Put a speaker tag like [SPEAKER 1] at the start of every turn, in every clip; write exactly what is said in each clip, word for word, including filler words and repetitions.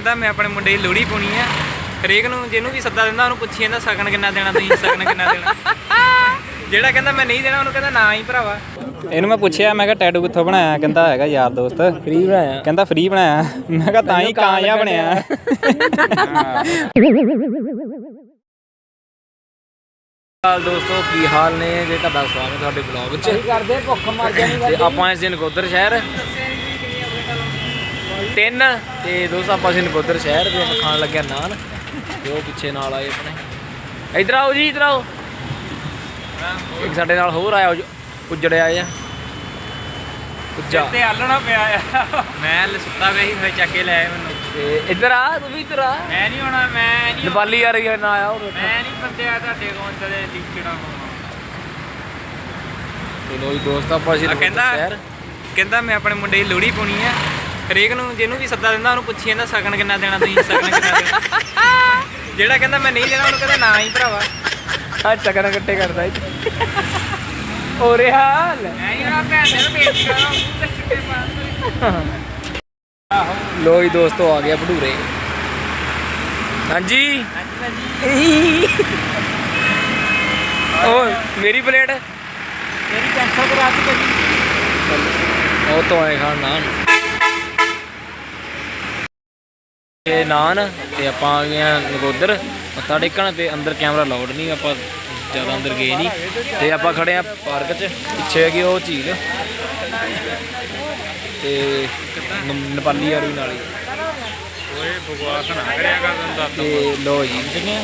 [SPEAKER 1] ਕਹਿੰਦਾ ਮੈਂ ਆਪਣੇ ਮੁੰਡੇ ਦੀ ਲੋਹੜੀ ਪਾਉਣੀ ਆ। ਹਰੇਕ ਨੂੰ ਜਿਹਨੂੰ ਵੀ ਸੱਦਾ ਦਿੰਦਾ ਉਹਨੂੰ ਪੁੱਛੀ ਜਾਂਦਾ ਸ਼ਗਨ ਕਿੰਨਾ ਦੇਣਾ, ਤੁਸੀਂ ਸ਼ਗਨ ਕਿੰਨਾ ਦੇਣਾ। ਜਿਹੜਾ ਕਹਿੰਦਾ ਮੈਂ ਨਹੀਂ ਦੇਣਾ ਉਹਨੂੰ ਕਹਿੰਦਾ ਨਾ ਹੀ ਭਰਾਵਾ। ਇਹਨੂੰ ਮੈਂ ਪੁੱਛਿਆ, ਮੈਂ ਕਿਹਾ ਟੈਟੂ ਕਿੱਥੋਂ ਬਣਾਇਆ? ਕਹਿੰਦਾ ਹੈਗਾ ਯਾਰ ਦੋਸਤ, ਫ੍ਰੀ ਬਣਾਇਆ। ਕਹਿੰਦਾ ਫ੍ਰੀ ਬਣਾਇਆ। ਮੈਂ ਕਿਹਾ ਤਾਂ ਹੀ ਕਾਂ ਜਿਹਾ ਬਣਿਆ।
[SPEAKER 2] ਦੋਸਤੋ ਕੀ ਹਾਲ ਨੇ ਜੀ, ਤੁਹਾਡਾ ਸਵਾਗਤ ਤੁਹਾਡੇ ਬਲੌਗ 'ਚ।
[SPEAKER 1] ਕਰਦੇ ਭੁੱਖ ਮਰ ਜਾਣੀ।
[SPEAKER 2] ਤੇ ਆਪਾਂ ਇਸ ਦਿਨ ਨਕੋਦਰ ਸ਼ਹਿਰ ਤਿੰਨ ਤੇ ਦੋਸਤ ਆਪਾਂ ਇਸ ਨਕੋਦਰ ਸ਼ਹਿਰ ਦੇ ਖਾਣ ਲੱਗਿਆ ਨਾਨ। ਤੇ ਉਹ ਪਿੱਛੇ ਨਾਲ ਆਏ ਆਪਣੇ, ਇੱਧਰ ਆਓ ਜੀ, ਇੱਧਰ ਆਓ। ਇੱਕ ਸਾਡੇ ਨਾਲ ਹੋਰ ਆਇਆ ਉੱਜੜਿਆ ਆ ਉੱਜਾ
[SPEAKER 1] ਤੇ ਆਲਣਾ ਪਿਆ ਆ। ਮੈਂ ਸੁੱਤਾ ਪਿਆ ਸੀ, ਫਿਰ ਚੱਕ ਕੇ ਲੈ ਆਏ ਮੈਨੂੰ।
[SPEAKER 2] ਤੇ ਇੱਧਰ ਆ, ਤੂੰ ਵੀ ਇੱਧਰ ਆ।
[SPEAKER 1] ਮੈਂ ਨਹੀਂ ਆਉਣਾ, ਮੈਂ ਨਹੀਂ
[SPEAKER 2] ਨੇਪਾਲੀ ਆ ਰਹੀ ਹੈ ਨਾ ਆਇਆ।
[SPEAKER 1] ਮੈਂ ਨਹੀਂ ਬੰਦਿਆ ਤੁਹਾਡੇ ਕੋਲ ਤੇ ਲਿਖਣਾ ਹੋਣਾ।
[SPEAKER 2] ਚਲੋ ਜੀ ਦੋਸਤ ਆਪਾਂ ਅਸੀਂ
[SPEAKER 1] ਕਹਿੰਦਾ
[SPEAKER 2] ਸ਼ਹਿਰ
[SPEAKER 1] ਕਹਿੰਦਾ ਮੈਂ ਆਪਣੇ ਮੁੰਡੇ ਦੀ ਲੋਹੜੀ ਪਾਉਣੀ ਆ। ਹਰੇਕ ਨੂੰ ਜਿਹਨੂੰ ਵੀ ਸੱਦਾ ਦਿੰਦਾ ਉਹਨੂੰ ਪੁੱਛੀ ਜਾਂਦਾ ਸ਼ਗਨ ਕਿੰਨਾ ਦੇਣਾ, ਤੁਸੀਂ ਸ਼ਗਨ ਕਿੰਨਾ ਦੇਣਾ। ਜਿਹੜਾ ਕਹਿੰਦਾ ਮੈਂ ਨਹੀਂ ਦੇਣਾ ਉਹਨੂੰ ਕਹਿੰਦਾ ਨਾ ਹੀ ਭਰਾਵਾ।
[SPEAKER 2] ਆ ਸ਼ਗਨ ਇਕੱਠੇ ਕਰਦਾ ਹੋ ਰਿਹਾ ਹਾਲ। ਲੋ ਜੀ ਦੋਸਤੋ ਆ ਗਿਆ ਭਟੂਰੇ। ਹਾਂਜੀ ਓ ਮੇਰੀ ਪਲੇਟ
[SPEAKER 1] ਮੇਰੀ ਕੈਂਸਲ ਕਰਾ ਦਿੱਤੀ ਭਾਜੀ।
[SPEAKER 2] ਉਹ ਤੋਂ ਆਏ ਖਾਣ ਨਾਨ ਤੇ ਨਾਨ ਤੇ ਆਪਾਂ ਆ ਗਏ ਆ ਨਕੋਦਰ ਮੱਥਾ ਟੇਕਣ। ਤੇ ਅੰਦਰ ਕੈਮਰਾ ਲਾਉਡ ਨਹੀਂ, ਆਪਾਂ ਜ਼ਿਆਦਾ ਅੰਦਰ ਗਏ ਨਹੀਂ। ਤੇ ਆਪਾਂ ਖੜੇ ਆ ਪਾਰਕ 'ਚ, ਪਿੱਛੇ ਹੈਗੀ ਉਹ ਝੀਲ ਤੇ ਨੇਪਾਲੀ ਯਾਰ ਵੀ ਨਾਲ ਹੀ।
[SPEAKER 1] ਓਏ ਬਕਵਾਸ ਨਾ ਕਰਿਆ ਕਰ ਦਿੰਦਾ।
[SPEAKER 2] ਤੇ ਲੋ ਜੀ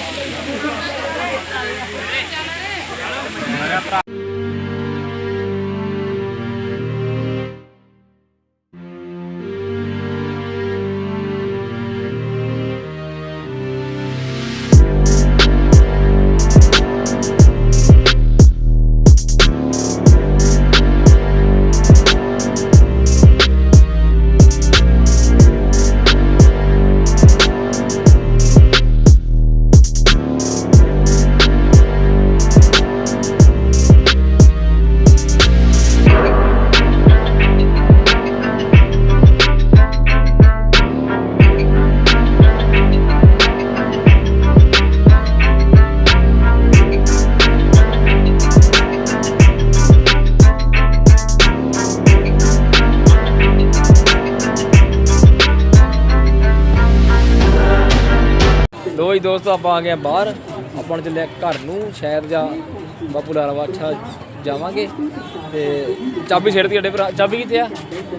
[SPEAKER 2] ਲੋ ਜੀ ਦੋਸਤੋ ਆਪਾਂ ਆ ਗਏ ਬਾਹਰ। ਆਪਾਂ ਨੂੰ ਚੱਲਿਆ ਘਰ ਨੂੰ, ਸ਼ਹਿਰ ਜਾ ਬਾਪੂ ਲਾਲਾ ਬਾਦਸ਼ਾਹ ਜਾਵਾਂਗੇ। ਤੇ ਚਾਬੀ ਛੇੜਤੀ ਸਾਡੇ ਭਰਾ। ਚਾਬੀ ਕਿੱਥੇ ਆ?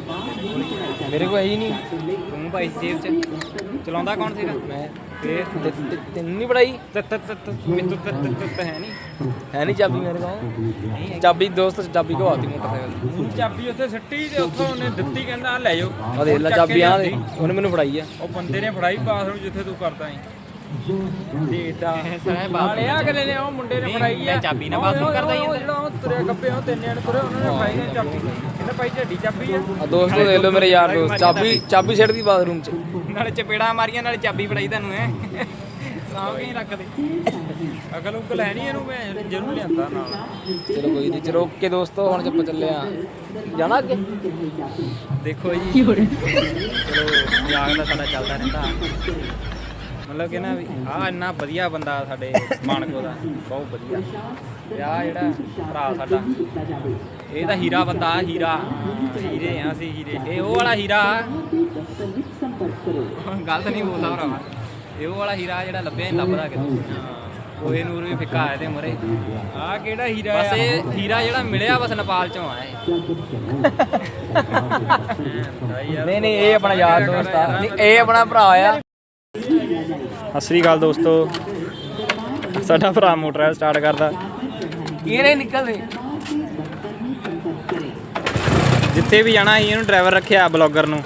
[SPEAKER 2] ਮੇਰੇ ਕੋਲ ਹੈ ਹੀ ਨਹੀਂ।
[SPEAKER 1] ਤੂੰ ਭਾਈ ਜੇਬ 'ਚ ਚਲਾਉਂਦਾ ਕੌਣ ਸੀਗਾ?
[SPEAKER 2] ਮੈਂ
[SPEAKER 1] ਫੇਰ
[SPEAKER 2] ਤੈਨੂੰ ਨਹੀਂ ਪੜਾਈ?
[SPEAKER 1] ਮੈਨੂੰ ਤਾਂ ਹੈ ਨਹੀਂ
[SPEAKER 2] ਹੈ ਨਹੀਂ ਚਾਬੀ ਮੇਰੇ ਕੋਲ। ਚਾਬੀ ਦੋਸਤ ਚਾਬੀ ਘਵਾਤੀ ਮੋਟਰਸਾਈਕਲ ਦੀ।
[SPEAKER 1] ਚਾਬੀ ਉੱਥੇ ਸੱਟੀ ਤੇ ਉੱਥੋਂ ਉਹਨੇ ਦਿੱਤੀ, ਕਹਿੰਦਾ ਲੈ ਜਾਓ।
[SPEAKER 2] ਆ ਦੇਖ ਲੈ ਚਾਬੀ ਆ ਦੇ, ਉਹਨੇ ਮੈਨੂੰ ਫੜਾਈ ਆ।
[SPEAKER 1] ਉਹ ਬੰਦੇ ਨੇ ਫੜਾਈ ਬਾਥਰੂਮ ਜਿੱਥੇ ਤੂੰ ਕਰਦਾ ਸੀ। ਦੇਖਦਾ ਬਾਲਿਆ ਅਗਲੇ ਨੇ, ਉਹ ਮੁੰਡੇ ਨੇ ਫੜਾਈ ਆ ਚਾਬੀ ਨਾਲ ਬਾਥਰੂਮ ਕਰਦਾ ਹੀ। ਜਿਹੜਾ ਉਹ ਤੁਰਿਆ ਗੱਪੇ ਉਹ ਤਿੰਨ ਜਣੇ ਤੁਰੇ, ਉਹਨਾਂ ਨੇ ਫੜਾਈ ਨੇ ਚਾਬੀ। ਕਹਿੰਦਾ ਭਾਈ ਝੱਡੀ ਚਾਬੀ ਆ।
[SPEAKER 2] ਆ ਦੋਸਤੋ ਦੇਖ ਲਓ ਮੇਰੇ ਯਾਰ ਦੋਸਤ, ਚਾਬੀ ਚਾਬੀ ਛੱਡਦੀ ਬਾਥਰੂਮ 'ਚ।
[SPEAKER 1] ਨਾਲੇ ਚਪੇੜਾ ਮਾਰੀਆਂ ਨਾਲੇ ਚਾਬੀ ਫੜਾਈ ਤੁਹਾਨੂੰ। ਐ ਸਾਂਭ ਕੇ ਹੀ ਰੱਖਦੇ। ਅਕਲ ਉਕਲ ਹੈ ਨਹੀਂ ਇਹਨੂੰ, ਮੈਂ ਜ਼ਰੂਰ ਲਿਆਂਦਾ ਨਾਲ।
[SPEAKER 2] ਚਲੋ ਕੋਈ ਨਹੀਂ, ਚਲੋ ਓਕੇ ਦੋਸਤੋ, ਹੁਣ ਆਪਾਂ ਚੱਲੇ ਆ ਜਾਣਾ ਅੱਗੇ।
[SPEAKER 1] ਦੇਖੋ ਜੀ ਚਲੋ ਮਜ਼ਾਕ ਦਾ ਸਾਡਾ ਚੱਲਦਾ ਰਹਿੰਦਾ। ਮਤਲਬ ਕਿ ਨਾ ਵੀ ਆਹ ਇੰਨਾ ਵਧੀਆ ਬੰਦਾ ਸਾਡੇ ਮਾਨਕੋ ਦਾ, ਬਹੁਤ ਵਧੀਆ। ਤੇ ਆਹ ਜਿਹੜਾ ਭਰਾ ਸਾਡਾ, ਇਹ ਤਾਂ ਹੀਰਾ ਬੰਦਾ, ਹੀਰਾ ਹੀਰੇ ਆ ਅਸੀਂ, ਹੀਰੇ। ਇਹ ਉਹ ਵਾਲਾ ਹੀਰਾ, ਗਲਤ ਨਹੀਂ ਬੋਲਦਾ ਭਰਾਵਾ। ਇਹ ਉਹ ਵਾਲਾ ਹੀਰਾ ਜਿਹੜਾ ਲੱਭਿਆ ਨਹੀਂ ਲੱਭਦਾ ਕਿਤੇ। ਕੋਹੇ ਨੂਰ ਵੀ ਫਿੱਕਾ ਆਏ ਤੇ ਮਰੇ। ਆਹ ਕਿਹੜਾ ਹੀਰਾ? ਬਸ ਇਹ ਹੀਰਾ ਜਿਹੜਾ ਮਿਲਿਆ ਬਸ ਨੇਪਾਲ ਚੋਂ ਆਇਆ।
[SPEAKER 2] ਨਹੀਂ ਨਹੀਂ ਇਹ ਆਪਣਾ ਯਾਰ ਦੋਸਤ ਆ, ਨਹੀਂ ਇਹ ਆਪਣਾ ਭਰਾ ਆ।
[SPEAKER 1] ਸਤਿ ਸ੍ਰੀ ਅਕਾਲ ਦੋਸਤੋ, ਸਾਡਾ ਭਰਾ ਮੋਟਰ ਸਟਾਰਟ ਕਰਦਾ।
[SPEAKER 2] ਇਹ ਨਹੀਂ ਨਿਕਲਦੇ।
[SPEAKER 1] ਜਿੱਥੇ ਵੀ ਜਾਣਾ ਅਸੀਂ ਇਹਨੂੰ ਡਰਾਈਵਰ ਰੱਖਿਆ, ਬਲੌਗਰ ਨੂੰ।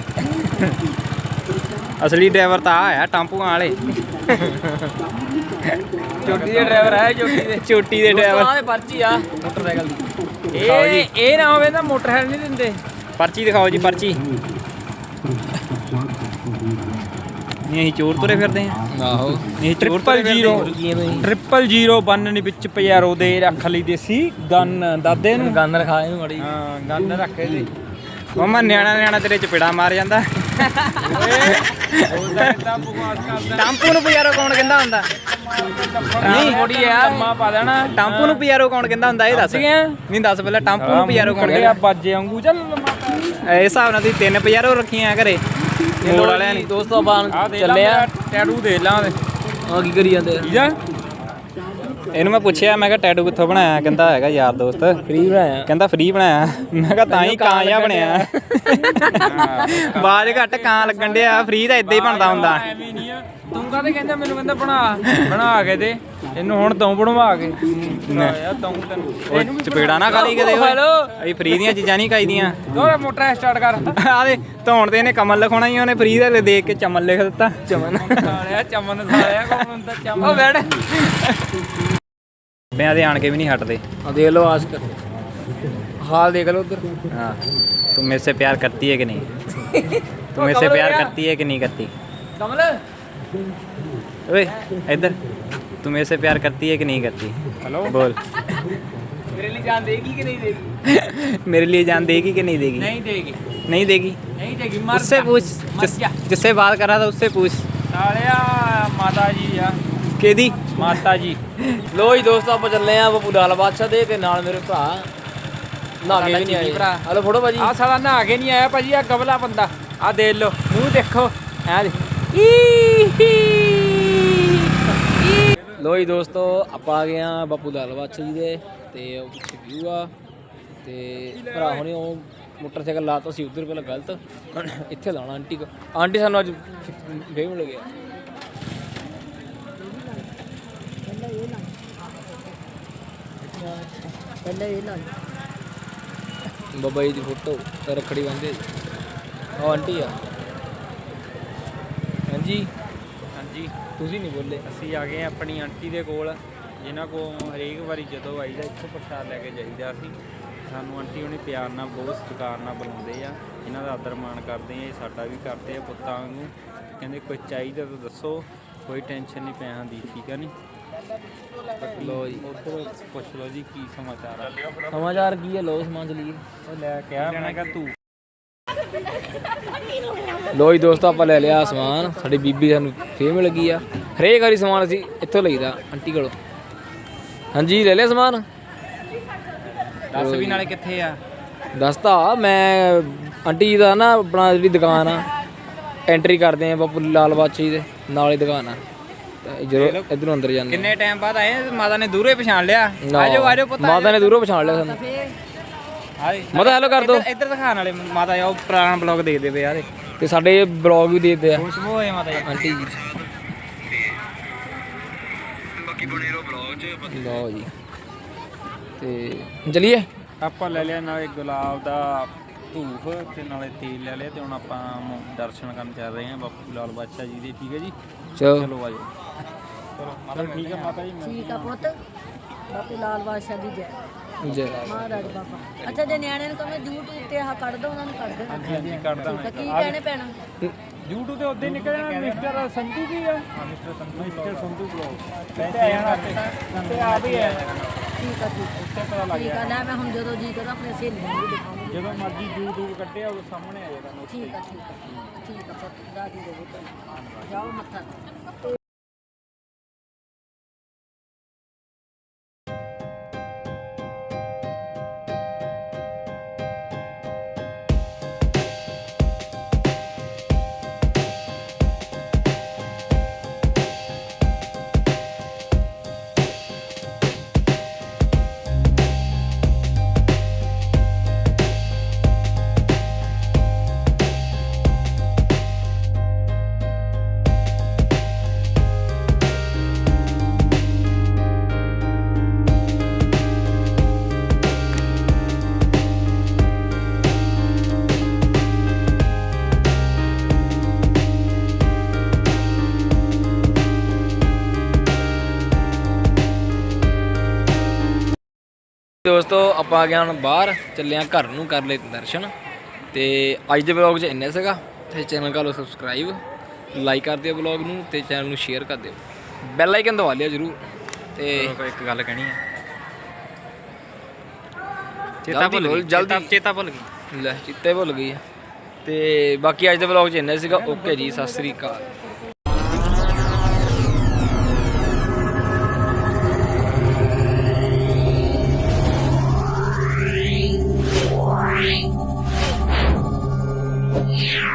[SPEAKER 1] ਅਸਲੀ ਡਰਾਈਵਰ ਤਾਂ ਆ ਆ ਟਾਂਪੂਆਂ ਵਾਲੇ।
[SPEAKER 2] ਚੋਟੀ ਦੇ ਡਰਾਈਵਰ ਹੈ, ਚੋਟੀ ਦੇ
[SPEAKER 1] ਚੋਟੀ ਦੇ ਡਰਾਈਵਰ।
[SPEAKER 2] ਪਰਚੀ ਆ ਮੋਟਰਸਾਈਕਲ ਦੀ।
[SPEAKER 1] ਇਹ
[SPEAKER 2] ਇਹ ਨਾ ਹੋਵੇ ਤਾਂ ਮੋਟਰਸਾਈਕਲ ਨਹੀਂ ਦਿੰਦੇ।
[SPEAKER 1] ਪਰਚੀ ਦਿਖਾਓ ਜੀ, ਪਰਚੀ। ਨਹੀਂ ਅਸੀਂ ਚੋਰ ਤੁਰੇ ਫਿਰਦੇ ਹਾਂ।
[SPEAKER 2] ਆਹੋ
[SPEAKER 1] ਇਹ ਟ੍ਰਿਪਲ ਜ਼ੀਰੋ ਟ੍ਰਿਪਲ ਜ਼ੀਰੋ ਬੰਨ ਵਿੱਚ ਪਿਆਰੋ ਦੇ ਰੱਖ ਲਈ ਦੇਸੀ ਗਨ ਦਾਦੇ ਨੂੰ।
[SPEAKER 2] ਗੰਨ ਰਖਾ ਇਹਨੂੰ ਮੜੀ।
[SPEAKER 1] ਹਾਂ ਗਨ ਰੱਖੇ ਦੇ। ਮਮਾ ਨਿਆਣਾ ਨਿਆਣਾ ਤੇਰੇ ਚਪੇੜਾ ਮਾਰ ਜਾਂਦਾ ਟਾਂਪੂ ਨੂੰ ਪਿਆਰੋ ਕੌਣ ਕਹਿੰਦਾ ਹੁੰਦਾ
[SPEAKER 2] ਨਹੀਂ ਥੋੜੀ ਆ
[SPEAKER 3] ਕੰਮਾ ਪਾ ਦੇਣਾ
[SPEAKER 1] ਟਾਂਪੂ ਨੂੰ ਪਿਆਰੋ ਕੌਣ ਕਹਿੰਦਾ ਹੁੰਦਾ ਇਹ ਦੱਸ ਨਹੀਂ ਦੱਸ ਪਹਿਲਾਂ ਟਾਂਪੂ ਨੂੰ ਪਿਆਰੋ ਕੌਣ
[SPEAKER 3] ਕਹਿੰਦੇ
[SPEAKER 1] ਕਹਿੰਦਾ
[SPEAKER 3] ਬਾਜੇ ਵਾਂਗੂ ਚੱਲ ਮਾਤਾ
[SPEAKER 1] ਇਸ ਹਿਸਾਬ ਨਾਲ ਤੁਸੀਂ ਤਿੰਨ ਪਿਆਰੋ ਰੱਖੀਆਂ ਘਰੇ ਮੋੜ ਵਾਲਿਆਂ ਨੇ
[SPEAKER 2] ਦੋਸਤੋ ਆਪਾਂ
[SPEAKER 3] ਆ ਦੇ
[SPEAKER 2] ਚੱਲੇ ਆ
[SPEAKER 3] ਟੈਟੂ ਦੇ ਲਾਂ ਦੇ
[SPEAKER 2] ਆ ਕੀ ਕਰੀ ਜਾਂਦੇ ਆ
[SPEAKER 3] ਠੀਕ ਆ
[SPEAKER 1] ਇਹਨੂੰ ਮੈਂ ਪੁੱਛਿਆ ਮੈਂ ਕਿਹਾ ਟੈਟੂ ਕਿੱਥੋਂ ਬਣਾਇਆ ਕਹਿੰਦਾ ਹੈਗਾ ਯਾਰ ਦੋਸਤ
[SPEAKER 2] ਫ੍ਰੀ ਬਣਾਇਆ
[SPEAKER 1] ਕਹਿੰਦਾ ਫ੍ਰੀ ਬਣਾਇਆ ਮੈਂ ਕਿਹਾ ਤਾਂ ਹੀ ਕਾਂ ਜਿਹਾ ਬਣਿਆ ਬਾਜ ਘੱਟ ਕਾਂ ਲੱਗਣ ਡਿਆ ਫ੍ਰੀ ਤਾਂ ਇਦਾਂ ਹੀ ਬਣਦਾ ਹੁੰਦਾ
[SPEAKER 3] ਐਵੇਂ ਨਹੀਂ ਆ ਤੂੰ ਕਾਹਦੇ ਕਹਿੰਦਾ ਮੈਨੂੰ ਕਹਿੰਦਾ ਬਣਾ ਬਣਾ ਕੇ ਦੇ ਇਹਨੂੰ ਹੁਣ ਤੂੰ ਬਣਵਾ ਕੇ ਯਾਰ ਤੂੰ ਤੈਨੂੰ
[SPEAKER 1] ਉਹ ਚਪੇੜਾ ਨਾ ਖਾਲੀ ਕਦੇ ਓਏ ਅਸੀਂ ਫ੍ਰੀ ਦੀਆਂ ਚੀਜ਼ਾਂ ਨਹੀਂ ਖਾਈਦੀਆਂ
[SPEAKER 3] ਦੋਰੇ ਮੋਟਰ ਸਟਾਰਟ ਕਰ
[SPEAKER 1] ਆ ਦੇ ਧੌਣ ਤੇ ਇਹਨੇ ਕਮਲ ਲਿਖਾਉਣਾ ਹੀ ਉਹਨੇ ਫ੍ਰੀ ਦਾ ਦੇਖ ਕੇ ਚਮਨ ਲਿਖ ਦਿੱਤਾ ਚਮਨ
[SPEAKER 3] ਸਾਲਿਆ ਚਮਨ ਸਾਲਿਆ ਕੌਣ ਹੁੰਦਾ ਚਮਨ ਉਹ ਬੈਠ
[SPEAKER 1] ਬਿਆਂ ਦੇ ਆਣ ਕੇ ਵੀ ਨਹੀਂ ਹਟਦੇ
[SPEAKER 2] ਆ ਦੇਖ ਲਓ ਆਸਕਰ ਹਾਲ ਦੇਖ ਲਓ ਉਧਰ
[SPEAKER 1] हाँ तुम मेरे से प्यार करती है कि नहीं तुम मेरे से प्यार करती है कि नहीं करती
[SPEAKER 2] ਕਮਲ
[SPEAKER 1] ओए इधर तुम मेरे से प्यार करती है कि नहीं करती
[SPEAKER 3] हेलो
[SPEAKER 1] बोल
[SPEAKER 2] ਮੇਰੇ ਲਈ ਜਾਨ ਦੇਗੀ ਕਿ ਨਹੀਂ ਦੇਗੀ
[SPEAKER 1] मेरे लिए जान देगी कि नहीं देगी
[SPEAKER 3] नहीं देगी
[SPEAKER 1] नहीं देगी
[SPEAKER 3] नहीं देगी मर
[SPEAKER 1] उससे
[SPEAKER 3] जा,
[SPEAKER 1] पूछ
[SPEAKER 3] मर
[SPEAKER 1] जिस,
[SPEAKER 3] जा।
[SPEAKER 1] जिससे बात कर रहा था उससे पूछ
[SPEAKER 3] ਸਾਲਿਆ ਮਾਤਾ ਜੀ ਆ
[SPEAKER 1] केदी
[SPEAKER 3] ਮਾਤਾ ਜੀ
[SPEAKER 2] ਲੋ ਜੀ ਦੋਸਤੋ ਆਪਾਂ ਚੱਲੇ ਆ ਬੱਬੂ ਲਾਲ ਬਾਦਸ਼ਾਹ ਦੇ ਤੇ ਨਾਲ ਮੇਰੇ ਭਰਾ ਨਹਾ ਕੇ ਵੀ ਨਹੀਂ ਆਏ
[SPEAKER 3] ਭਰਾ।
[SPEAKER 2] ਹਲੋ ਫੋਟੋ ਭਾਜੀ
[SPEAKER 3] ਆ ਸਾਲਾ ਨਹਾ ਕੇ ਨਹੀਂ ਆਇਆ ਭਾਜੀ ਆ ਗਬਲਾ ਬੰਦਾ ਆ ਦੇਖ ਲਓ ਮੂੰਹ ਦੇਖੋ ਐ ਦੇ
[SPEAKER 2] ਲੋ ਜੀ ਦੋਸਤੋ ਆਪਾਂ ਆ ਗਏ ਆ ਬੱਬੂ ਲਾਲ ਬਾਦਸ਼ਾਹ ਜੀ ਦੇ ਤੇ ਉਹ ਪਿੱਛੇ ਵਿਊ ਆ ਤੇ ਭਰਾ ਹੁਣੇ ਉਹ ਮੋਟਰਸਾਈਕਲ ਲਾਤਾ ਸੀ ਉਧਰ ਪਹਿਲਾਂ ਗਲਤ ਇੱਥੇ ਲਾਉਣਾ ਆਂਟੀ ਕੋ ਆਂਟੀ ਸਾਨੂੰ ਅੱਜ ਫੇਮ ਮਿਲ ਗਿਆ
[SPEAKER 4] ਪਹਿਲਾਂ ਇਹ ਲਾ
[SPEAKER 2] ਬਾਬਾ ਜੀ ਦੀ ਫੋਟੋ ਤੇ ਰੱਖੜੀ ਬੰਨ੍ਹਦੇ ਉਹ ਆਂਟੀ ਆ ਹਾਂਜੀ
[SPEAKER 3] ਹਾਂਜੀ
[SPEAKER 2] ਤੁਸੀਂ ਨਹੀਂ ਬੋਲੇ
[SPEAKER 3] ਅਸੀਂ ਆ ਗਏ ਹਾਂ ਆਪਣੀ ਆਂਟੀ ਦੇ ਕੋਲ ਜਿਨ੍ਹਾਂ ਕੋਲ ਹਰੇਕ ਵਾਰੀ ਜਦੋਂ ਆਈਦਾ ਇੱਥੋਂ ਪ੍ਰਸ਼ਾਦ ਲੈ ਕੇ ਜਾਈਦਾ ਅਸੀਂ ਸਾਨੂੰ ਆਂਟੀ ਉਹਨੇ ਪਿਆਰ ਨਾਲ ਬਹੁਤ ਸਤਿਕਾਰ ਨਾਲ ਬੁਲਾਉਂਦੇ ਆ ਇਹਨਾਂ ਦਾ ਆਦਰ ਮਾਣ ਕਰਦੇ ਆ ਇਹ ਸਾਡਾ ਵੀ ਕਰਦੇ ਆ ਪੁੱਤਾਂ ਵਾਂਗੂ ਕਹਿੰਦੇ ਕੁਝ ਚਾਹੀਦਾ ਤਾਂ ਦੱਸੋ ਕੋਈ ਟੈਨਸ਼ਨ ਨਹੀਂ ਪੈਸਿਆਂ ਦੀ ਠੀਕ ਆ ਨਹੀਂ
[SPEAKER 2] ਲੋ ਜੀ
[SPEAKER 3] ਉੱਧਰ ਪੁੱਛ ਲਓ ਜੀ ਕੀ ਸਮਾਚਾਰ ਆ
[SPEAKER 2] ਸਮਾਚਾਰ ਕੀ ਹੈ ਲੋ ਸਮਾਂ ਚਲੀਏ
[SPEAKER 3] ਉਹ ਲੈ ਕੇ ਆ ਮੈਂ ਕਿਹਾ ਤੂੰ
[SPEAKER 2] ਲੋ ਜੀ ਦੋਸਤੋ ਆਪਾਂ ਲੈ ਲਿਆ ਸਮਾਨ ਸਾਡੀ ਬੀਬੀ ਸਾਨੂੰ ਫੇਮ ਲੱਗੀ ਆ ਹਰੇਕ ਵਾਰੀ ਸਮਾਨ ਅਸੀਂ ਇੱਥੋਂ ਲਈਦਾ ਆਂਟੀ ਕੋਲੋਂ ਹਾਂਜੀ ਲੈ ਲਿਆ ਸਮਾਨ
[SPEAKER 1] ਦੱਸ ਵੀ ਨਾਲੇ ਕਿੱਥੇ ਆ
[SPEAKER 2] ਦੱਸਤਾ ਮੈਂ ਆਂਟੀ ਜੀ ਦਾ ਨਾ ਆਪਣਾ ਜਿਹੜੀ ਦੁਕਾਨ ਆ ਐਂਟਰੀ ਕਰਦੇ ਆ ਬਾਪੂ ਲਾਲ ਬਾਦਸ਼ਾਹ ਜੀ ਦੇ ਨਾਲ ਹੀ ਦੁਕਾਨ ਆ ਤੇ ਜਦੋਂ ਇਧਰੋਂ ਅੰਦਰ ਜਾਂਦੇ
[SPEAKER 1] ਕਿੰਨੇ ਟਾਈਮ ਬਾਅਦ ਆਏ ਮਾਤਾ ਨੇ ਦੂਰੋਂ ਹੀ ਪਛਾਣ ਲਿਆ
[SPEAKER 2] ਨਾ,
[SPEAKER 1] ਆਜੋ ਆਜੋ ਪੁੱਤ
[SPEAKER 2] ਮਾਤਾ ਨੇ ਦੂਰੋਂ ਪਛਾਣ ਲਿਆ ਸਾਨੂੰ ਮਾਤਾ ਹੈਲੋ ਕਰ ਦੋ
[SPEAKER 1] ਇੱਧਰ ਦਿਖਾਣ ਵਾਲੇ ਮਾਤਾ ਆ ਉਹ ਪੁਰਾਣਾ ਬਲੌਗ ਦੇਖਦੇ ਪਏ ਆ
[SPEAKER 2] ਤੇ ਸਾਡੇ ਬਲੌਗ ਵੀ ਦੇਖਦੇ ਆ
[SPEAKER 1] ਖੁਸ਼ਬੂ ਹੋਏ ਮਾਤਾ ਜੀ
[SPEAKER 2] ਆਂਟੀ ਜੀ ਲਓ ਜੀ ਤੇ ਚਲਿਏ
[SPEAKER 3] ਆਪਾਂ ਲੈ ਲਿਆ ਨਾਲੇ ਗੁਲਾਬ ਦਾ ਧੂਫ ਤੇ ਨਾਲੇ ਤੇਲ ਲੈ ਲਿਆ ਤੇ ਹੁਣ ਆਪਾਂ ਮ- ਦਰਸ਼ਨ ਕਰਨ ਚੱਲ ਰਹੇ ਹਾਂ ਬਾਪੂ ਲਾਲ ਬਾਦਸ਼ਾਹ ਜੀ ਦੇ ਠੀਕ ਹੈ ਜੀ
[SPEAKER 2] ਚਲੋ
[SPEAKER 3] ਚਲੋ ਆਜੋ ਚਲੋ ਮਾਤਾ ਠੀਕ ਹੈ ਮਾਤਾ ਜੀ
[SPEAKER 4] ਠੀਕ ਆ ਪੁੱਤ ਬਾਪੂ ਲਾਲ ਬਾਦਸ਼ਾਹ ਦੀ ਜੈ
[SPEAKER 2] ਜੈ
[SPEAKER 4] ਮਹਾਰਾਜ ਬਾਬਾ ਅੱਛਾ ਜੇ ਨਿਆਣੇ ਨੂੰ ਕਹਵੇਂ YouTube ਤੇ ਆਹ ਕੱਢ ਦੋ ਉਹਨਾਂ ਨੂੰ ਕੱਢ ਦੇ
[SPEAKER 3] ਹਾਂਜੀ ਹਾਂਜੀ ਕੱਢਦਾ
[SPEAKER 4] ਤਾਂ ਕੀ ਕਹਿਣੇ ਪੈਣਾ
[SPEAKER 3] YouTube ਤੇ ਉੱਦੇ ਨਿਕਲ ਜਾਣਾ ਮਿਸਟਰ ਸੰਧੂ ਕੀ ਆ ਹਾਂ mister Sandhu mister Sandhu blog ਪੈਸੇ ਤੇ ਆ ਵੀ ਹੈ
[SPEAKER 4] ਠੀਕ ਆ ਠੀਕ
[SPEAKER 3] ਉੱਤੇ ਪਤਾ ਲੱਗ
[SPEAKER 4] ਠੀਕ
[SPEAKER 3] ਗਿਆ
[SPEAKER 4] ਆ ਲੈ ਮੈਂ ਹੁਣ ਜਦੋਂ ਜੀ ਕਰਦਾ ਆਪਣੇ ਸਹੇਲੀਆਂ ਨੂੰ ਵੀ ਦਿਖਾਉਂਗੀ
[SPEAKER 3] ਜਦੋਂ ਮਰਜ਼ੀ YouTube ਕੱਢਿਆ ਉਹ ਸਾਹਮਣੇ ਆ ਜਾਏਗਾ ਨੋਟ
[SPEAKER 4] ਠੀਕ ਆ ਠੀਕ ਆ ਠੀਕ ਆ ਪੁੱਤ ਦਾਦੀ ਦੇ ਪੁੱਤ ਜਾਓ ਮੱਥਾ
[SPEAKER 2] ਦੋਸਤੋ ਆਪਾਂ ਆ ਗਏ ਹੁਣ ਬਾਹਰ ਚੱਲੇ ਆ ਘਰ ਨੂੰ ਕਰ ਲਏ ਦਰਸ਼ਨ ਤੇ ਅੱਜ ਦੇ ਵਲੌਗ 'ਚ ਇੰਨਾ ਸੀਗਾ ਤੇ ਚੈਨਲ ਕਰ ਲਓ ਸਬਸਕ੍ਰਾਈਬ ਲਾਈਕ ਕਰ ਦਿਓ ਵਲੌਗ ਨੂੰ ਤੇ ਚੈਨਲ ਨੂੰ ਸ਼ੇਅਰ ਕਰ ਦਿਓ ਬੈਲ ਆਈਕਨ ਦਬਾ ਲਿਓ ਜਰੂਰ ਤੇ
[SPEAKER 1] ਕੋਈ ਇੱਕ ਗੱਲ ਕਹਿਣੀ ਆ
[SPEAKER 2] ਜਲਦੀ ਬੋਲ, ਜਲਦੀ।
[SPEAKER 1] ਚੇਤਾ ਭੁੱਲ ਗਈ
[SPEAKER 2] ਲੈ ਚਿੱਤੇ ਭੁੱਲ ਗਈ ਆ। ਤੇ ਬਾਕੀ ਅੱਜ ਦੇ ਵਲੌਗ 'ਚ ਇੰਨਾ ਸੀਗਾ। ਓਕੇ ਜੀ, ਸਤਿ ਸ੍ਰੀ ਅਕਾਲ।
[SPEAKER 5] Yeah.